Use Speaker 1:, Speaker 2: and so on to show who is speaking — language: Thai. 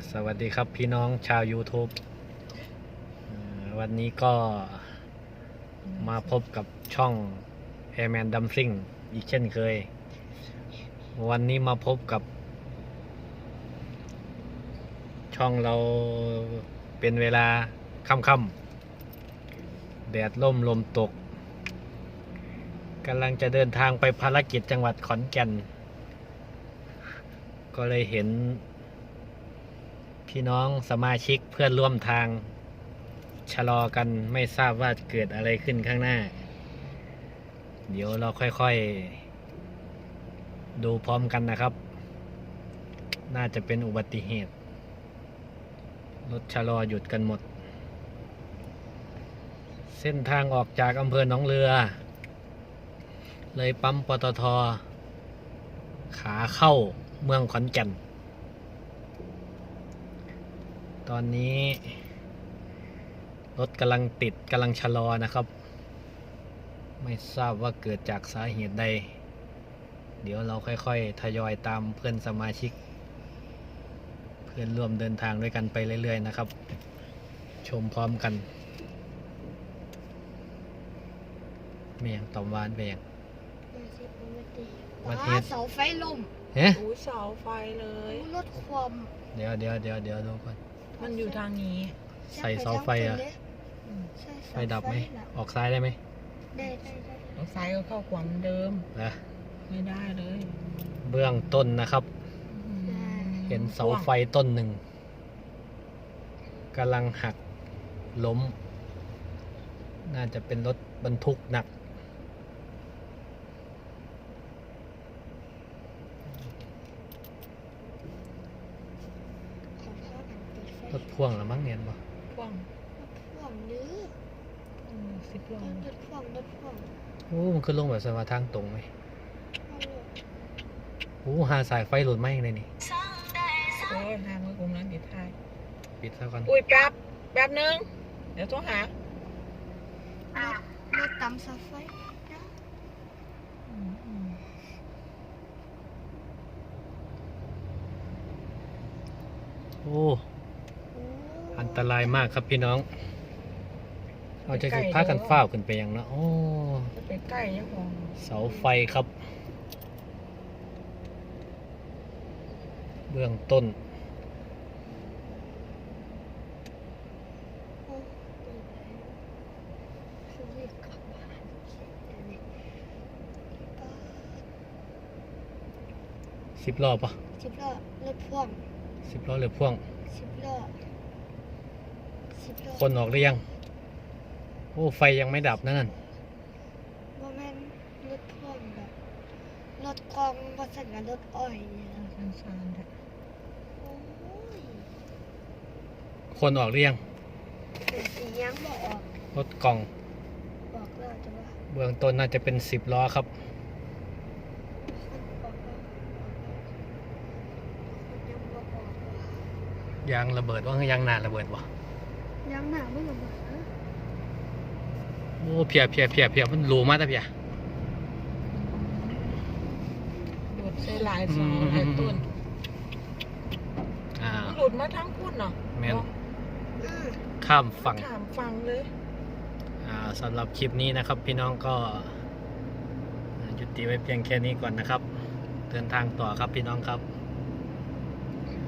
Speaker 1: สวัสดีครับพี่น้องชาว YouTube วันนี้ก็มาพบกับช่อง Airman Dumpling อีกเช่นเคย วันนี้มาพบกับช่องเราเป็นเวลาค่ำๆแดดร่มลมตกกำลังจะเดินทางไปภารกิจจังหวัดขอนแก่น ก็เลยเห็นพี่น้องสมาชิกเพื่อนร่วมทางชะลอกันไม่ทราบว่าเกิดอะไรขึ้นข้างหน้า เดี๋ยวเราค่อยๆดูพร้อมกันนะครับ น่าจะเป็นอุบัติเหตุรถชะลอหยุดกันหมด เส้นทางออกจากอำเภอหนองเรือ เลยปั๊มปตท.ขาเข้าเมืองขอนแก่น ตอนนี้รถกำลังติดกำลังชะลอนะครับ ไม่ทราบว่าเกิดจากสาเหตุใด เดี๋ยวเราค่อยๆทยอยตามเพื่อนสมาชิก เพื่อนร่วมเดินทางด้วยกันไปเรื่อยๆนะครับ ชมพร้อมกันเมียงตอมวานไปยังวัดเฮ็ด
Speaker 2: เสาไฟล่ม
Speaker 1: เฮ้
Speaker 3: อู้เสาไฟเลย
Speaker 2: รถความ
Speaker 1: เดี๋ยวดูก่อน
Speaker 3: มันอยู่ทางนี้
Speaker 1: ใส่เสาไฟอะ
Speaker 2: ใช่
Speaker 1: ไฟดับไหมออกซ้ายได้ไหม
Speaker 2: ได้
Speaker 3: รถไฟก็เข้าขวางเดิม
Speaker 1: นะ
Speaker 3: ไม่ได้เลย
Speaker 1: เบื้องต้นนะครับ เห็นเสาไฟต้นหนึ่งกำลังหักล้ม น่าจะเป็นรถบรรทุกหนัก รถพ่วงหรือมั้งเนี่ยบ่
Speaker 3: พ่วง
Speaker 2: พ่วงดื้อ
Speaker 3: 10 ล้อ
Speaker 2: รถพ่วง
Speaker 1: โอ้มันขึ้นลงแบบสมาทางตรงไหมโอ้หาสายไฟหลุดไหมเลยนี่
Speaker 3: โอ้ยทางมือกลุ่มนั้นติดท้าย
Speaker 1: ปิดซะก่อน
Speaker 3: อุ้ยแป๊บนึง เดี๋ยวโทรหาร
Speaker 2: ถตำเสาไฟนะ
Speaker 1: โอ้อันตรายมากครับพี่น้องเราจะพากันฝ้าวขึ้นไปยังนะโอ้
Speaker 3: จะไปใกล้ยังพอ
Speaker 1: เสาไฟครับ เบื้องต้น 10 รอบปะ
Speaker 2: 10 ล้อรถพ่วง
Speaker 1: 10 รอบหรือพ่วง
Speaker 2: 10 ล้อ
Speaker 1: คนออกหรือยัง โอ้ ไฟยังไม่ดับนั่น
Speaker 2: ว่าแม่นรถพ่วงแบบรถกองผสมกับรถอ้อยเนี่ยนะ
Speaker 3: ชันๆ
Speaker 2: โอ้ย
Speaker 1: คนออกหรือยัง
Speaker 2: เป็นสียังบอกออก
Speaker 1: รถกล่อง
Speaker 2: บอกแล้วจะว่า
Speaker 1: เบื้องต้นน่าจะเป็น10 ล้อครับ
Speaker 2: คนบอกว่าคนยังบอกออกว่าย
Speaker 1: างระเบิดว่ายางหนาระเบิดวะ
Speaker 2: ยังหนาไม่ระเบิดนะ
Speaker 1: โอ้เพียมันรูมากแต่เพีย
Speaker 3: หลุดใส่หลายเสาหลายต้น
Speaker 1: อ่า
Speaker 3: หลุดมาทั้งพุ่นเนาะ
Speaker 1: แม่น
Speaker 2: อืม
Speaker 1: ข้ามฝั่ง
Speaker 3: ถามฟังเลย
Speaker 1: สำหรับคลิปนี้นะครับ พี่น้องก็ยุติไว้เพียงแค่นี้ก่อนนะครับ เดินทางต่อครับพี่น้องครับ